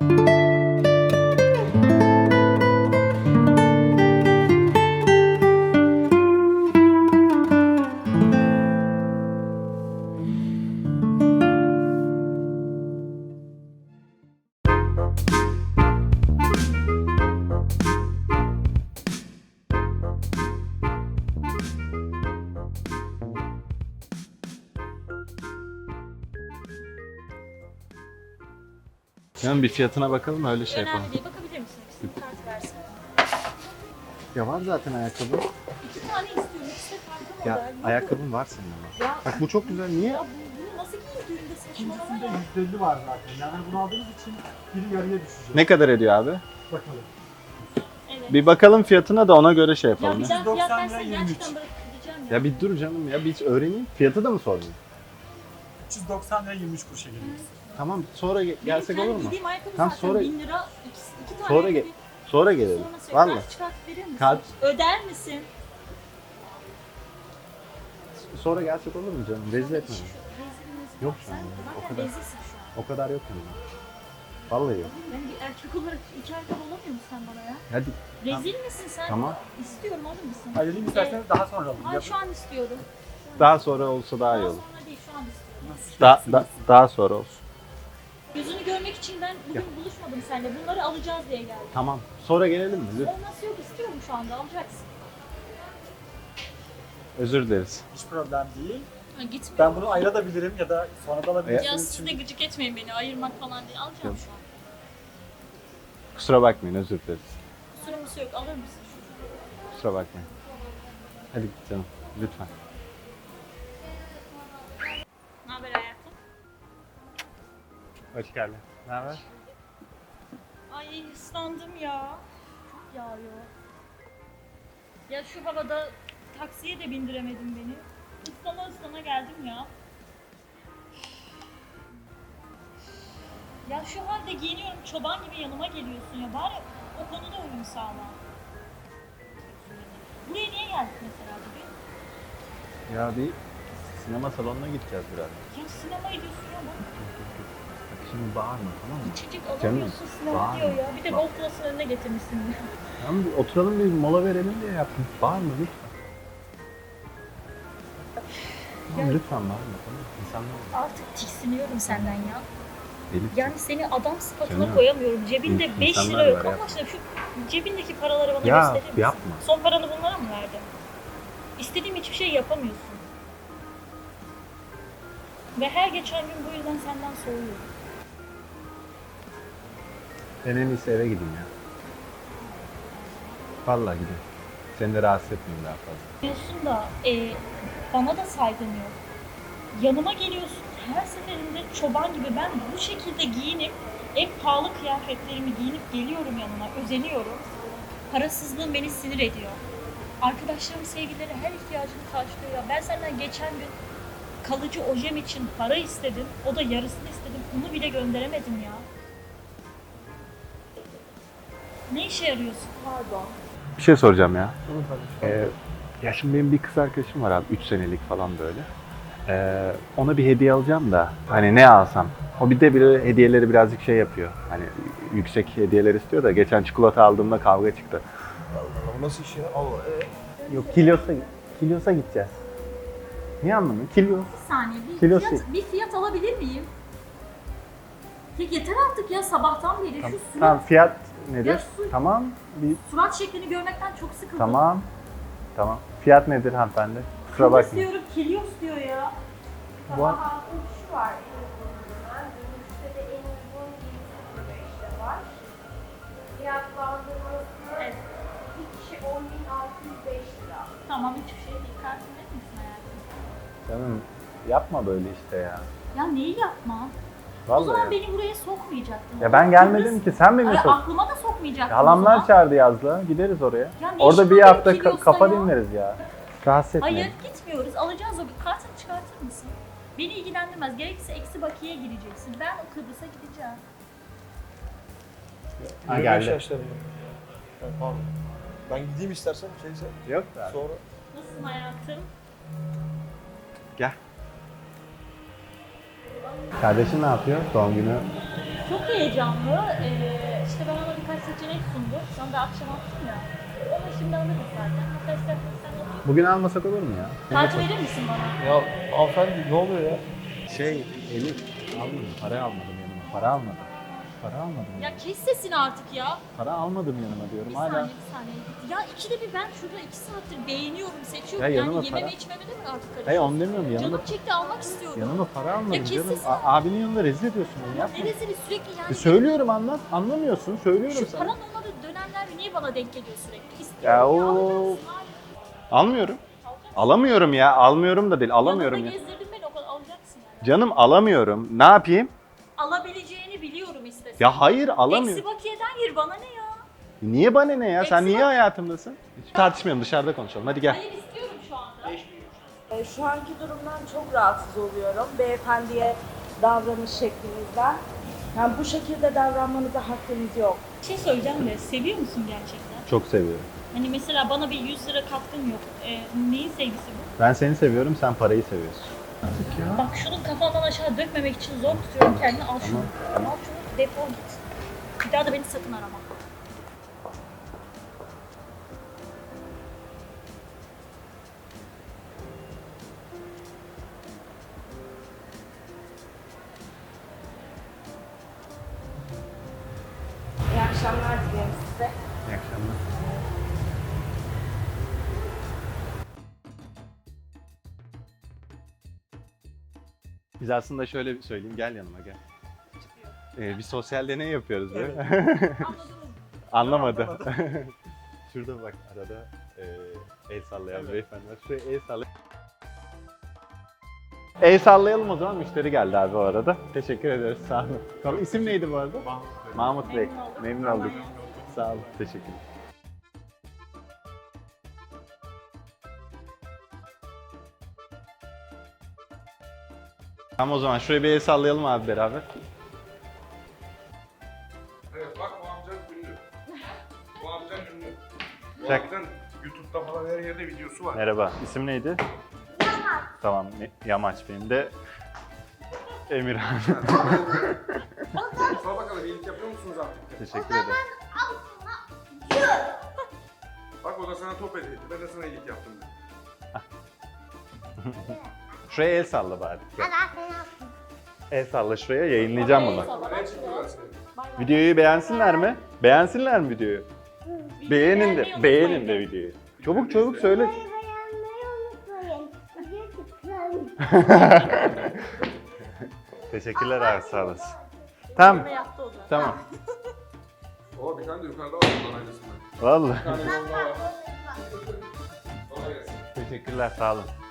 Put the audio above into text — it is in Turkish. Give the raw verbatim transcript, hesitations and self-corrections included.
Yani bir fiyatına bakalım öyle şey yapalım. Önemli değil. Bakabilir misin? İkisini kart versin. Ya var zaten ayakkabı. İki tane istiyorum. İkisi de farklı Ya model. Yok. ayakkabın var senin ama. Ya, Bak bu çok güzel. Niye? ya bu, bunu nasıl giyeyim düğünde saçmalama İkincisinde ya. yüzde elli var zaten. Yani bunu aldığınız için biri yarıya düşecek. Ne kadar ediyor abi? Bakalım. Evet. Bir bakalım fiyatına da ona göre şey Ya yapalım. bir Ya, daha fiyat doksan versen lira yirmi üç. gerçekten bırakıp gideceğim ya. ya bir dur canım ya bir öğreneyim. Fiyatı da mı sorayım? üç yüz doksan lira yirmi üç kuruşa geliyor. Tamam sonra ge- gelsek Benim olur mu? giydiğim ayakkabı Tamam, zaten sonra- bin lira. İki, iki tane Sonra ge- ayakkabı. Sonra gelelim. Sonra söyle. Valla. Kart çıkartıp verir misin? Kart- Öder misin? Sonra gelsek olur mu canım? Rezil etme. Şu- beni. rezil rezil. Yok şu an Sen ya, o zaten kadar. rezilsin şu an. O kadar yok yani. Vallahi yok. Ben bir erkek olarak iki ayakkabı olamıyor musun sen bana ya? Hadi. Rezil misin sen? Tamam. İstiyorum alır mısın? Ayrılayım isterseniz daha sonra alın. Ay şu an istiyorum. Daha sonra olsa daha iyi Daha olur. sonra değil şu an istiyorum. Nasıl Da, isterseniz. da, daha sonra olsun. Yüzünü görmek için ben bugün buluşmadım seninle. Bunları alacağız diye geldim. Tamam. Sonra gelelim mi? Lütfen. Olması yok istiyorum şu anda alacaksın. Özür dileriz. Hiç problem değil. Ha, gitmiyor. Ben bunu ayırabilirim ya da sonra da Ya alabilirsiniz. siz de gıcık etmeyin beni ayırmak falan değil. Alacağım Yok. şu an. Kusura bakmayın özür dileriz. Kusurumuzu yok alır mısın? Kusura bakmayın. Hadi canım lütfen. Ne haber hayatım? Hoş geldin. Ne haber? Ay ıslandım ya. Çok yağıyor. Ya şu havada taksiye de bindiremedin beni. Islana ıslana geldim ya. Ya şu halde giyiniyorum çoban gibi yanıma geliyorsun ya. Bari o konuda uyum sağla. Buraya niye geldik mesela bugün? Ya bir sinema salonuna gideceğiz biraz. Ya sinema ediyorsun ya bak. Bak şimdi bağırma tamam mı? İçecek Canım, alamıyorsun sinema bağırma. diyor ya. Bir de Bak. Gold Plus'ın önüne getirmişsin. Tamam bir oturalım bir mola verelim diye yaptım. Bağırma lütfen. Tamam, Ya- lütfen bağırma tamam mı? İnsanlar var. Artık tiksiniyorum senden ya. Elif. Yani seni adam sıfatına Canım. koyamıyorum. Cebinde İn- beş insanlar lira yok. var, Allah yapma. aşkına şu cebindeki paraları bana Ya gösterir misin? yapma. Son paranı bunlara mı verdin? İstediğim hiçbir şey yapamıyorsun. Ve her geçen gün bu yüzden senden soğuyorum. Ben en iyisi eve gideyim ya. Vallahi gideyim. Seni de rahatsız etmeyeyim daha fazla. Diyorsun da e, bana da saygın yok. Yanıma geliyorsun her seferinde çoban gibi ben bu şekilde giyinip en pahalı kıyafetlerimi giyinip geliyorum yanına, özeniyorum. Parasızlığın beni sinir ediyor. Arkadaşlarım sevgileri her ihtiyacımı karşılıyor ya. Ben senden geçen gün kalıcı ojem için para istedim. O da yarısını istedim. Onu bile gönderemedim ya. Ne işe yarıyorsun? Pardon. Bir şey soracağım ya. Ee, ya şimdi benim bir kız arkadaşım var abi. üç senelik falan böyle. Ee, ona bir hediye alacağım da hani ne alsam. O bir de bir hediyeleri birazcık şey yapıyor. Hani yüksek hediyeler istiyor da geçen çikolata aldığımda kavga çıktı. Allah nasıl iş ya? Allah. Ee? Yok Kilyos'a Kilyos'a gideceğiz. Niye anlamıyor? Kilyos. Bir saniye bir Kilosu. fiyat, bir fiyat alabilir miyim? Ya yeter artık ya sabahtan beri Tamam, şu surat, tamam fiyat nedir? Ya su- Tamam. Bir, surat şeklini görmekten çok sıkıldım. tamam. Tamam. Fiyat nedir hanımefendi? Kusura Kilos bakmayın. diyorum, Kilios diyor ya. Bu an- Daha uç var en uygunundan. Gümüşte de en uygun yedi sıfır beşte var. Fiyatlandırması Evet. bir kişi on bin altı yüz beş lira. Tamam hiçbir şey değil. Kartın verir misin hayatım? Canım yapma böyle işte ya. Ya neyi yapma? o Vallahi. zaman ya. beni buraya sokmayacaktın. Ya ben gelmedim ki sen beni Ay, sok. aklıma da sokmayacaktın o Halamlar zaman. çağırdı yazla. Gideriz oraya. Ya ne Orada işin bir var hafta benim ka- Kilios'ta kafa ya? dinleriz ya. Rahatsız etmeyin. Hayır gitmiyoruz. Alacağız o bir kartını çıkartır mısın? Beni ilgilendirmez. Gerekirse eksi bakiye gireceksin. Ben o Kıbrıs'a gideceğim. Ha, yirmi beş geldi. yaşlarında. Yani pardon. Ben gideyim istersen şeyse Yok da. sonra. Nasılsın hayatım? Gel. Kardeşin ne yapıyor? Doğum günü Çok heyecanlı. Ee, işte ben ona birkaç seçenek sundum. Sana da akşam attım ya. Onu şimdi alırız zaten. Hatta istersen sen de Bugün almasak olur mu ya? kartı verir misin bana? Ya hanımefendi ne oluyor ya? Şey Elif almadım. Para almadım yanıma. Para almadım. Para almadım. Ya kes sesini artık ya. Para almadım yanıma diyorum Bir hala. saniye, bir saniye. Ya ikide bir ben şurada iki saattir beğeniyorum, seçiyorum. Ya yani yanıma yememe para- içmeme de mi artık Hayır karışıyorsun? onu demiyorum yanıma. Canım çekti, almak istiyorum. Yanıma para almadım Ya kes canım. sesini. A- abinin yanında rezil ediyorsun beni Ya yapma. neresini sürekli yani. E söylüyorum anlat. Anlamıyorsun. Söylüyorum Şu sana. paranın olmadığı dönemler niye bana denk geliyor sürekli? İstiyorum. Ya o- alacaksın, hayır. Almıyorum. Alacaksın. Alamıyorum ya. Almıyorum da değil. Alamıyorum Yanımda ya. gezdirdin beni, o kadar alacaksın yani. Canım alamıyorum. Ne yapayım? Alabileceğini biliyorum istesen. Ya hayır alamıyorum. Eksi bakiyeden yer, bana ne ya? Niye bana ne ya? Sen Eksi niye bak- hayatımdasın? Hiç tartışmayalım, dışarıda konuşalım. Hadi gel. Hayır, istiyorum şu anda. E, Şu anki durumdan çok rahatsız oluyorum. Beyefendiye davranış şeklinizden. Yani bu şekilde davranmanıza hakkınız yok. Bir şey söyleyeceğim de, seviyor musun gerçekten? Çok seviyorum. Hani mesela bana bir yüz lira katkın yok. Ee, neyin sevgisi bu? Ben seni seviyorum, sen parayı seviyorsun. Bak şunu kafandan aşağı dökmemek için zor tutuyorum kendini. Al şunu. Al şunu, defol git. Bir daha da beni sakın arama. İyi akşamlar dilerim size. İyi akşamlar. Biz aslında şöyle bir söyleyeyim, gel yanıma gel. Ee, bir sosyal deney yapıyoruz böyle. Anlamadı. Şurada bak arada e, el sallayan beyefendi var. Şuraya el sallayalım. El sallayalım o zaman, müşteri geldi abi o arada. Teşekkür ederiz, sağ olun. Tamam, isim neydi bu arada? Mahmut Bey. Memnun olduk. Memnun olduk. Sağ olun, teşekkür Tamam o zaman şuraya bir el sallayalım abi beraber. Evet bak bu amca ünlü. Bu amca ünlü. Bu Çak. amcanın YouTube'da falan her yerde videosu var. Merhaba, isim neydi? Yamaç. Tamam, ne- Yamaç benim de Emirhan. Sor bakalım iyilik yapıyor musunuz artık? Teşekkür ederim. Bak o da sana top hediye etti. Ben de sana iyilik yaptım dedi. Şuraya el salla bari. El salla şuraya, yayınlayacağım bunu. Ne çıktılar seni? Videoyu beğensinler mi? Beğensinler mi videoyu? Beğenin beğenmeyi de, unutmayın. beğenin de videoyu. Çabuk çabuk söyle. Beğenmeyi unutmayın. Video tıklayın. Teşekkürler abi, sağ olasın. Tamam, Ne yaptı o da? tamam. Oo bir tane de yukarıda var bundan aynısından. Vallahi. Bir tane yolda var. Kolay gelsin. Teşekkürler, sağ olun.